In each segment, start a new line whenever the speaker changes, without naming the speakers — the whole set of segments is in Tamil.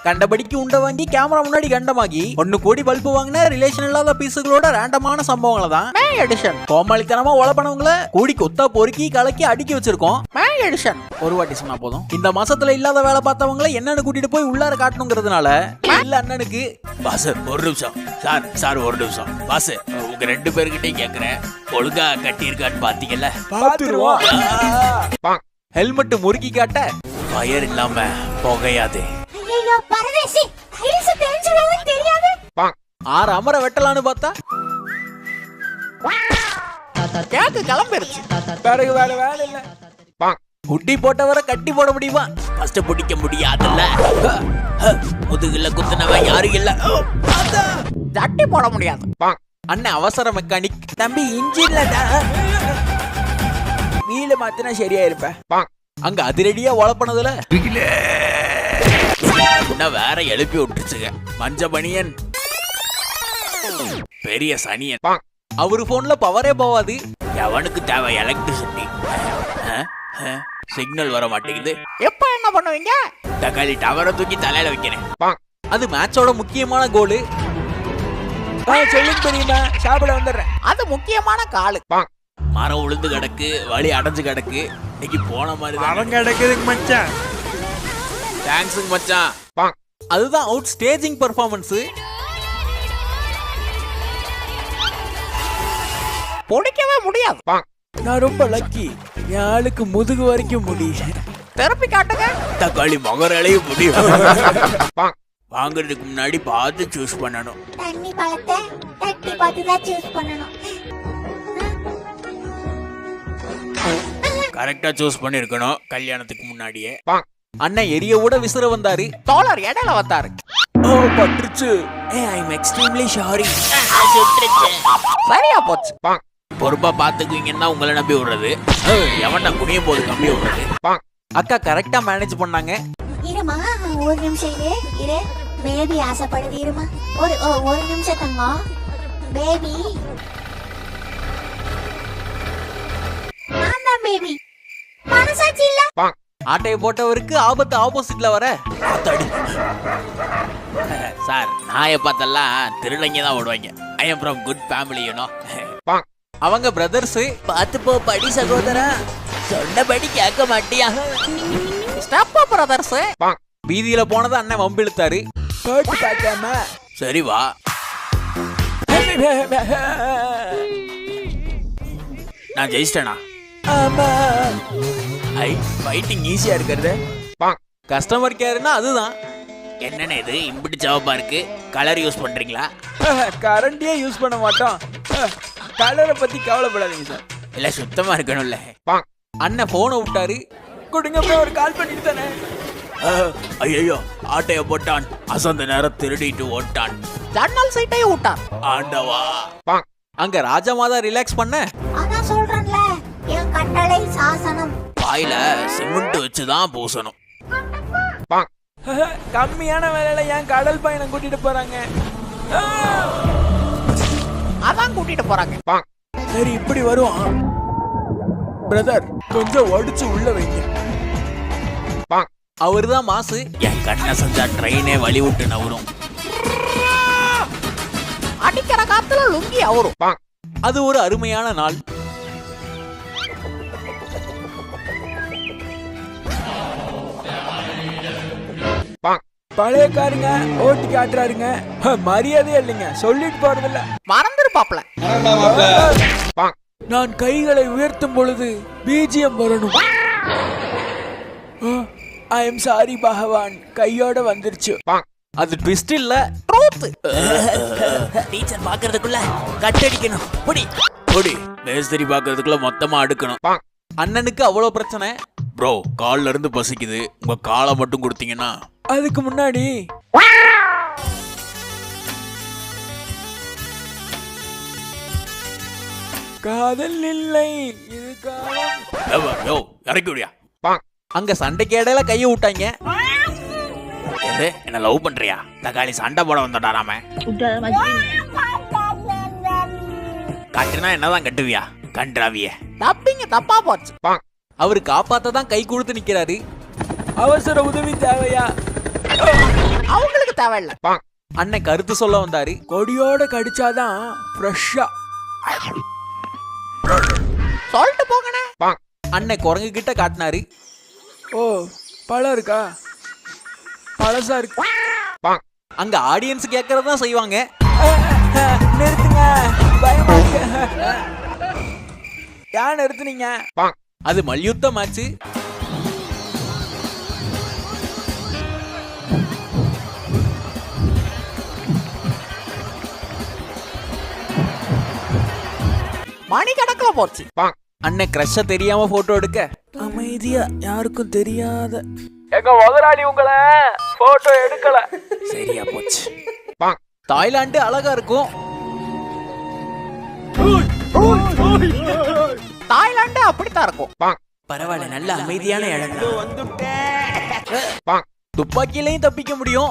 கண்டபடிக்கு உண்ட வாங்கி கேமரா முன்னாடி கண்டமாகி 1 கோடி பல்பு வாங்கின ரிலேஷன் இல்லாத பீஸுகளோட ரேண்டமான சம்பவங்களை தான் மே எடிஷன். கோமாளித்தனமா உழப்பனவங்களை கூடி கொத்தா பொறுக்கி கலக்கி அடுக்கி வச்சிருக்கோம் மே எடிஷன். ஒரு வாட்டி சொன்னா போதும். இந்த மாசத்துல இல்லாத வேலை பார்த்தவங்களை என்னன்னு கூட்டிட்டு போய் உள்ளார காட்டணுங்கிறதுனால இல்ல அண்ணனுக்கு
பாஸ் ஒரு நிமிஷம் சார் ஒரு நிமிஷம் பாஸ், உங்க 2 பேர்கிட்டயும் கேக்குறேன், ஒழுங்கா கட்டி இருக்கான்னு பாத்தீங்கல்ல?
பாத்துருவோம். ஹெல்மெட் முறுக்கி காட்ட
ஃபயர் இல்லாம புகையாது.
ஐயோ பரதேசி, ஐஸ் தெரிஞ்சவே தெரியாது.
6 அமர வெட்டலான்னு பார்த்தா கேக்கு கிளம்பிருச்சு. பிறகு வேற வேலை இல்ல. குட்டி போட்டவரை கட்டி போட முடியுமா?
ஃபர்ஸ்ட் பிடிக்க முடியாதுல்ல. முதுகுல குத்துனவன் யாரும் இல்ல.
தட்டி போட முடியாது. அண்ணன் அவசர மெக்கானிக். தம்பி இன்ஜின்ல வீல மாத்தினா சரியா இருப்ப. அங்க அதிரடியா உழப்பனதுல
வேற எழுப்பி விட்டுருச்சுங்க. மஞ்ச பனியன் பெரிய சனியன்.
அவரு போன்ல பவரே போவாது.
எவனுக்கு தேவை எலக்ட்ரிசிட்டி? சிக்னல் வர மாட்டேங்குது.
எப்ப என்ன பண்ணுவீங்க?
தக்காளி டவரை தூக்கி தலையில வைக்கிறேன்.
அது மேட்சோட முக்கியமான கோலு. சொல்லுங்க பெரியமா, சாப்பிட வந்துடுறேன். அது முக்கியமான காலு.
மரம் உளுந்து கிடக்கு, வழி அடைஞ்சு கிடக்கு. இன்னைக்கு போன மாதிரி
மரம் கிடக்குதுங்க மச்சான்.
தேங்க்ஸுங்க மச்சான்.
அதுதான் அவுட் ஸ்டேஜிங் பெர்ஃபார்மன்ஸ். பொடிக்கவே முடியாது. நான் ரொம்ப லக்கி. என் ஆளுக்கு முதுகு வரைக்கும் முடியும். தெரப்பி காட்டுங்க.
தக்காளி மகராலையும் முடியும். வாங்குறதுக்கு முன்னாடி பார்த்து சூஸ் பண்ணணும்.
தண்ணி பழத்தை தட்டி பார்த்து தான் சூஸ் பண்ணணும்.
கரெக்டா சூஸ் பண்ணிருக்கணும் கல்யாணத்துக்கு முன்னாடியே.
அண்ணன் எரிய விட விசிற வந்தாரு. தோழர் இடையில வந்தாரு. ஓ பட்டுச்சு.
I am extremely sorry.
சரியா போச்சு.
பொறுப்பா பாத்துக்குவீங்கன்னா உங்களை நம்பி விடுறது. எவன்டா குனியும் போது கம்பி விடுறது.
அக்கா கரெக்டா மேனேஜ் பண்ணாங்க.
இருமா ஒரு நிமிஷம் இரு. பேபி ஆசைப்படுது. இருமா ஒரு நிமிஷம் தங்கம். பேபி நான் தான் பேபி. மனசாட்சி இல்ல.
ஆட்டையை போட்டவருக்கு ஆபத்து ஆப்போசிட்ல வர.
சார் நாயை பார்த்தெல்லாம் திருடங்க தான் ஓடுவாங்க. I am from good family you know.
அவங்க பிரதர்ஸ்.
பார்த்து போ படி சகோதரா, சொன்னபடி கேட்க மாட்டியா?
Step brothers. வீதியில போனது அண்ணன் வம்பிழுத்தாரு. போட்டு பார்க்காம
சரி வா. நான் ஜெயிச்சிட்டேனா? ஐ ஃபைட்டிங் ஈஸியா இருக்கிறது.
கஸ்டமர் கேர்னா அதுதான்.
என்னன்னு இது இம்பிடி ஜவாபா இருக்கு? கலர் யூஸ் பண்றீங்களா?
கரண்டியே யூஸ் பண்ண மாட்டோம். கலரை பத்தி கவலைப்படாதீங்க சார்.
இல்ல சுத்தமா இருக்கணும்ல.
அண்ணன் போனை விட்டாரு. கொடுங்க ஒரு கால் பண்ணிட்டு தானே.
ஐயோ ஆட்டைய போட்டான். அசந்த நேரம் திருடிட்டு ஓட்டான்.
ஜன்னல் சீட்டையும் விட்டான்.
ஆண்டவா.
அங்க ராஜமாதா ரிலாக்ஸ் பண்ண.
அதான் சொல்றேன்ல, என் கட்டளை சாசனம்.
வாயில சிமெண்ட் வச்சுதான் பூசணும்.
கம்மியான வேலையில ஏன் கடல் பயணம் கூட்டிட்டு போறாங்க? அதான் கூட்டிட்டு போறாங்க. சரி இப்படி வருவான். பிரதர் கொஞ்சம் ஒடிச்சு உள்ள வைங்க. அவருதான் மாசு.
என் கண்ணை செஞ்சா ட்ரெயினே வழி விட்டு நவரும்.
அடிக்கிற காத்துல லுங்கி அவரும். அது ஒரு அருமையான நாள். பழையக்காரங்க ஓட்டி காட்டுறாருங்க. மரியாதையே இல்லைங்க. சொல்லிட்டு போறதில்ல. மறந்துருப்பாப்ல. நான் கைகளை உயர்த்தும் பொழுது பிஜிஎம் வரணும். ஐ எம் சாரி பகவான். கையோட வந்துருச்சு. அது ட்விஸ்ட் இல்ல, ட்ரூத்.
டீச்சர் பாக்குறதுக்குள்ள கட்டடிக்கணும். புடி புடி. மேஸ்திரி பாக்குறதுக்குள்ள மொத்தமா அடுக்கணும்.
அண்ணனுக்கு அவ்வளவு பிரச்சனை.
ப்ரோ கால்ல இருந்து பசிக்குது, உங்க காலை மட்டும் கொடுத்தீங்கன்னா.
அதுக்கு முன்னாடி காதல் இல்லை இது காலம்.
இறக்கி விடியா.
அங்க சண்டைக்கு இடையில கைய விட்டாங்க.
என்ன லவ் பண்றியா? தக்காளி சண்டை போட வந்துட்டாராம. கட்டுனா என்னதான் கட்டுவியா? கன்றாவிய.
தப்பிங்க தப்பா போச்சு. அவரு காப்பாத்த தான் கை கொடுத்து நிக்கிறாரு. அவசர உதவி தேவையா? அவங்களுக்கு தேவையில்ல. அண்ணன் கருத்து சொல்ல வந்தாரு.
கொடியோட கடிச்சாதான் ஃப்ரெஷ்ஷா.
சொல்லிட்டு போங்கண்ணே. அண்ணன் குரங்கு கிட்ட காட்டினாரு.
ஓ பழம் இருக்கா? பழசா இருக்கு.
அங்க ஆடியன்ஸ் கேட்கறதான் செய்வாங்க.
நிறுத்துங்க, பயமா இருக்கு. ஏன் நிறுத்துனீங்க?
அது மல்யுத்த மேட்ச். மணி கணக்குல போச்சு. அண்ணன் கிரஷ தெரியாம போட்டோ எடுக்க
அமைதியா, யாருக்கும் தெரியாத. எங்க முதலாளி உங்களை போட்டோ எடுக்கல. சரியா போச்சு.
தாய்லாந்து அழகா இருக்கும். தாய்லாந்து அப்படித்தான் இருக்கும்.
பரவாயில்ல, நல்ல அமைதியான இடம்.
துப்பாக்கியிலையும் தப்பிக்க முடியும்.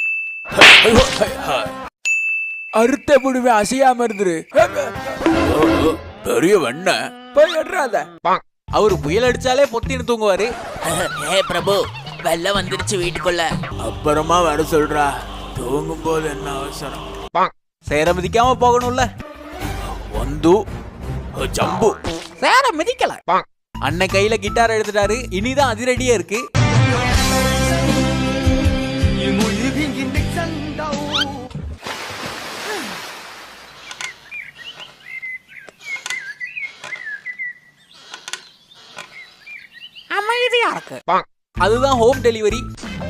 அறுத்த புடுவே, அசையாம இருந்துரு.
பெரிய வெண்ண
போய் எடுறாத.
அவரு புயல் அடிச்சாலே பொத்தின்னு தூங்குவாரு.
ஏ பிரபு, வெள்ளம் வந்துருச்சு வீட்டுக்குள்ள. அப்புறமா வர சொல்றா, தூங்கும் போது என்ன அவசரம்?
சேர மிதிக்காம போகணும்ல.
வந்து ஜம்பு
சேர மிதிக்கல. அண்ணன் கையில கிட்டார் எடுத்துட்டாரு. இனிதான் அதிரடியா இருக்கு. அமைதியா இருக்கு. அதுதான் ஹோம் டெலிவரி.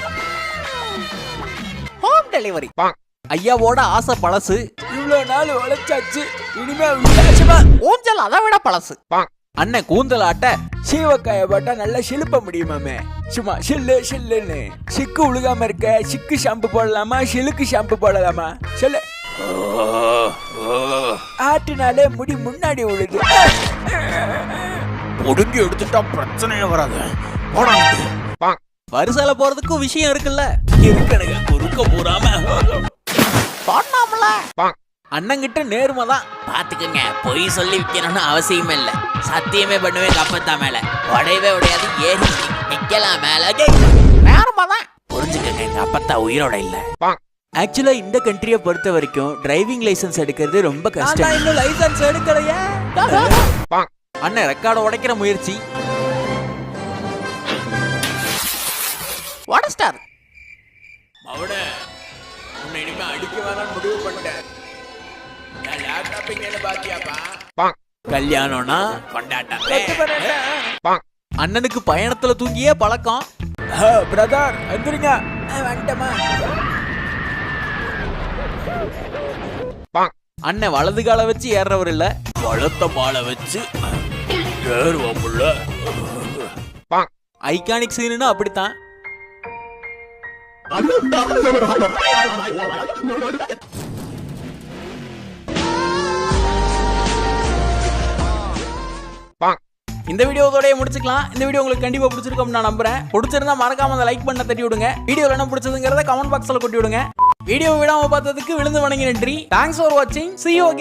Home delivery. ஐயாவோட ஆசை பழசு.
இவ்வளவு நாள் உழைச்சாச்சு, இனிமே வித்தியாசமா.
ஊஞ்சல் அதை விட பழசு. அண்ணன் கூந்தல் ஆட்ட
சீவக்காய போட்டா நல்லா சிலுப்ப முடியுமாமே. சும்மா சில்லு சில்லுன்னு. சிக்கு உழுகாம இருக்க சிக்கு ஷாம்பு போடலாமா, சிலுக்கு ஷாம்பு போடலாமா சொல்லு. ஆட்டினாலே முடி முன்னாடி உழுது.
ஒடுங்கி எடுத்துட்டா பிரச்சனையே வராது.
வரிசையில போறதுக்கும் விஷயம் இருக்குல்ல.
இருக்கணுங்க, குறுக்க போறாம
சொன்னாமல. அண்ணங்கிட்ட நேர்மைதான்.
பாத்துக்கங்க, பொய் சொல்லி விற்கணும்னு அவசியமே இல்ல. சத்தியமே பண்ணுவேன் கப்பத்தா மேல. உடையவே உடையாது, ஏறி நிக்கலாம் மேல.
நேர்மைதான்.
புரிஞ்சுக்கங்க, எங்க அப்பத்தா உயிரோட இல்ல.
ஆக்சுவலா இந்த கண்ட்ரியை பொறுத்த வரைக்கும் டிரைவிங் லைசென்ஸ் எடுக்கிறது ரொம்ப கஷ்டம்.
இன்னும் லைசன்ஸ் எடுக்கலையா?
அண்ணன் ரெக்கார்ட உடைக்கிற முயற்சி. உடைச்சிட்டாரு.
அவட உன்னை இனிமே அடிக்க வேணாம்னு முடிவு பண்ணிட்டேன். நான் லேப்டாப் இங்க பாத்தியாப்பா?
கல்யாணம்னா
கொண்டாட்டம்.
அண்ணனுக்கு பயணத்துல தூங்கியே பழக்கம்.
பிரதர் வந்துருங்க. வந்துட்டமா.
அண்ணன் வலது கால வச்சு ஏறவர் இல்ல,
வளர்த்த மாலை வச்சு ஏறுவோம்ல.
ஐகானிக் சீனுன்னு அப்படித்தான். இந்த வீடியோவோட முடிச்சுக்கலாம். இந்த வீடியோ உங்களுக்கு கண்டிப்பா பிடிச்சிருக்கும் நான் நம்புறேன். பிடிச்சிருந்தா மறக்காம அந்த லைக் பண்ண தட்டி விடுங்க. வீடியோல என்ன பிடிச்சதுங்கிறத கமெண்ட் பாக்ஸ்ல கொட்டி விடுங்க. வீடியோ விடாம பார்த்ததுக்கு விழுந்து வணங்கி நன்றி. தேங்க்ஸ் ஃபார் வாட்சிங். See you again.